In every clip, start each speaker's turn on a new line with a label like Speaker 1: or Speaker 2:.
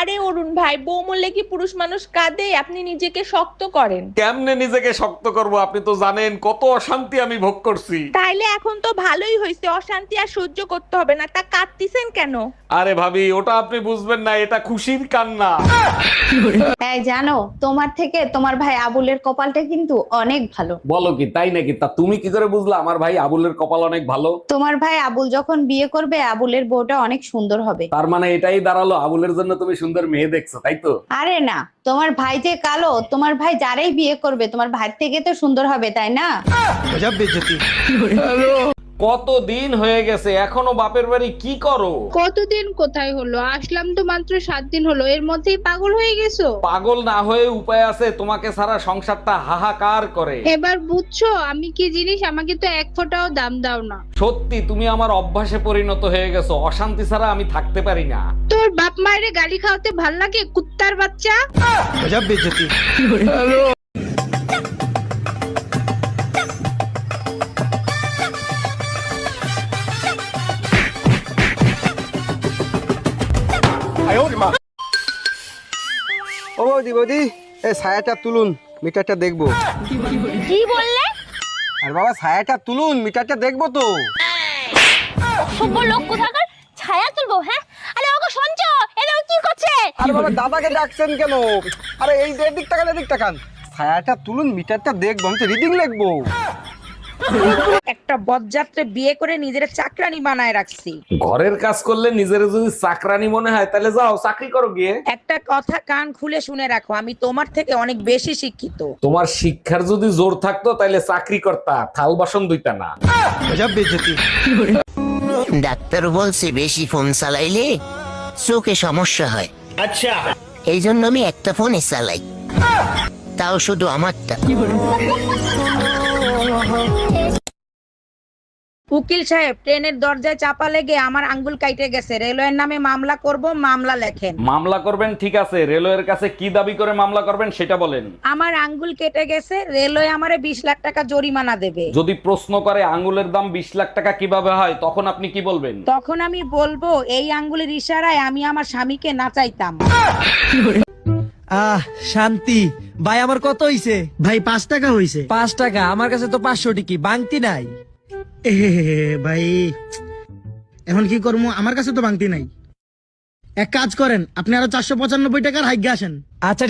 Speaker 1: আরে অরুণ ভাই, বউ মরলে কি পুরুষ মানুষ কাঁদে? আপনি নিজেকে শক্ত করেন।
Speaker 2: কেমনে নিজেকে শক্ত করব? আপনি তো জানেন কত অশান্তি আমি ভোগ করছি।
Speaker 1: তাইলে এখন তো ভালোই হয়েছে, অশান্তি আর সহ্য করতে হবে না। তা কাঁদতিছেন কেন?
Speaker 2: আরে ভাবি, ওটা আপনি বুঝবেন না, এটা খুশির কান্না।
Speaker 3: এই জানো, তোমার থেকে তোমার ভাই আবুলের কপালটা কিন্তু অনেক ভালো।
Speaker 2: বলো কি, তাই নাকি? তা তুমি কি করে বুঝলা আমার ভাই আবুলের কপাল অনেক ভালো?
Speaker 3: তোমার ভাই আবুল যখন বিয়ে করবে, আবুলের বউটা অনেক সুন্দর হবে।
Speaker 2: তার মানে এটাই দাঁড়ালো আবুলের জন্য তুমি সুন্দর মেয়ে দেখছো, তাই তো?
Speaker 3: আরে না, তোমার ভাই যে কালো, তোমার ভাই যারাই বিয়ে করবে তোমার ভাই থেকে তো সুন্দর হবে, তাই না?
Speaker 2: কতদিন হয়ে গেছে, এখনো বাপের বাড়ি কি করো?
Speaker 4: কতদিন কোথায় হলো? আসলাম তো মাত্র 7 দিন হলো, এর মধ্যেই পাগল হয়ে গেছো?
Speaker 2: পাগল না হয়ে উপায় আছে? তোমাকে সারা সংসারটা হাহাকার করে।
Speaker 4: এবার বুঝছো আমি কি জিনিস? আমাকে তো এক ফোঁটাও দাম দাও না।
Speaker 2: সত্যি তুমি আমার অভ্যাসে পরিণত হয়ে গেছো, অশান্তি ছাড়া আমি থাকতে পারি না।
Speaker 4: তোর বাপ মায়ের গালি খাওয়াতে ভাল লাগে, কুত্তার বাচ্চা?
Speaker 5: ও বৌদি বৌদি, এই ছায়াটা তুলুন, মিটারটা দেখবো।
Speaker 6: কি বললে?
Speaker 5: আর বাবা ছায়াটা তুলুন, মিটারটা দেখবো তো।
Speaker 6: সভ্য লোক কোথাকার, ছায়া তুলবো? হ্যাঁ, আরে ওগো শুনছো, এরা কি করছে?
Speaker 5: আরে বাবা দাদাকে ডাকছেন কেন? আরে এই এদিক তাকান, এদিক তাকান। ছায়াটা তুলুন, মিটারটা দেখবো, আমি তো রিডিং লিখবো।
Speaker 1: একটা বজ্জাত্রে বিয়ে করে নিজের চাকরানি বানায় রাখছি।
Speaker 2: ঘরের কাজ করলে নিজের যদি চাকরানি মনে হয় তাহলে যাও চাকরি করো গিয়ে।
Speaker 1: একটা কথা কান খুলে শুনে রাখো, আমি তোমার থেকে অনেক বেশি শিক্ষিত।
Speaker 2: তোমার শিক্ষার যদি জোর থাকতো তাহলে চাকরি করতা, থাল বাসন দুইটা না।
Speaker 7: ডাক্তার বলছে বেশি ফোন চালাইলে চোখে সমস্যা হয়। আচ্ছা, এই জন্য আমি একটা ফোনে চালাই, তাও শুধু আমারটা।
Speaker 1: উকিল সাহেব, ট্রেনের দরজায় চাপা লেগে আমার আঙ্গুল কাইটে গেছে। রেলওয়ের নামে মামলা করব, মামলা লেখেন।
Speaker 2: মামলা করবেন ঠিক আছে, রেলওয়ের কাছে কি দাবি করে মামলা করবেন সেটা বলেন।
Speaker 1: আমার আঙ্গুল কেটে গেছে, রেলওয়ে আমারে 20 লাখ টাকা জরিমানা দেবে।
Speaker 2: যদি প্রশ্ন করে আঙ্গুলের দাম 20 লাখ টাকা কিভাবে হয়, তখন আপনি কি বলবেন?
Speaker 1: তখন আমি বলবো, এই আঙ্গুলের ইশারায় আমি আমার স্বামীকে নাচাইতাম।
Speaker 8: শান্তি। ভাই আমার কত হইছে?
Speaker 9: ভাই 5 টাকা হইছে।
Speaker 8: 5 টাকা? আমার কাছে তো 500 টিকি বাংতি নাই।
Speaker 9: ভাই এখন কি করবো, আমার কাছে তো ভাঙতি নাই। এক কাজ করেন, আপনি আরো 495 টাকার হাইগে আসেন।
Speaker 8: আচ্ছা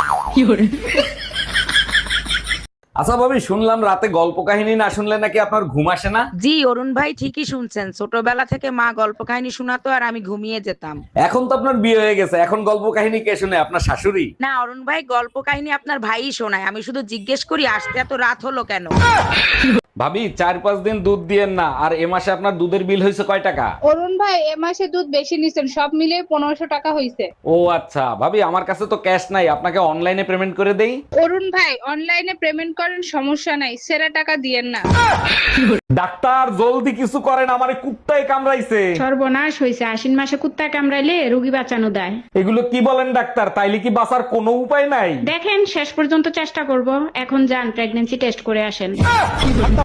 Speaker 2: আচ্ছা ভাবি, শুনলাম রাতে গল্প কাহিনী না শুনলে নাকি আপনার ঘুম আসে না।
Speaker 1: জি অরুণ ভাই, ঠিকই শুনছেন। ছোটবেলা থেকে মা গল্প কাহিনী শোনাতো আর আমি ঘুমিয়ে যেতাম।
Speaker 2: এখন তো আপনার বিয়ে হয়ে গেছে, এখন গল্প কাহিনী কে শুনে? আপনার শাশুড়ি?
Speaker 1: না অরুণ ভাই, গল্প কাহিনী আপনার ভাইই শোনায়। আমি শুধু জিজ্ঞেস করি, আসতে এত রাত হলো কেন?
Speaker 2: ভাবি 4-5 দিন দুধ দিয়েন না। আর এ মাসে আপনার দুধের বিল হয়েছে কয় টাকা?
Speaker 4: অরুণ ভাই এ মাসে দুধ বেশি নিছেন, সব মিলিয়ে 1500 টাকা হইছে।
Speaker 2: ও আচ্ছা ভাবি, আমার কাছে তো ক্যাশ নাই, আপনাকে অনলাইনে পেমেন্ট করে দেই।
Speaker 4: অরুণ ভাই অনলাইনে পেমেন্ট করেন, সমস্যা নাই, সেরা টাকা দিয়েন না।
Speaker 2: ডাক্তার জলদি কিছু করেন, আমারে কুত্তায় কামড়াইছে।
Speaker 10: সর্বনাশ হয়েছে, আশ্বিন মাসে কুত্তা কামড়াইলে রোগী বাঁচানো দেয়।
Speaker 2: এগুলো কি বলেন ডাক্তার? তাইলে কি বাঁচার কোনো উপায় নাই?
Speaker 10: দেখেন শেষ পর্যন্ত চেষ্টা করব। এখন যান, প্রেগন্যান্সি টেস্ট করে আসেন।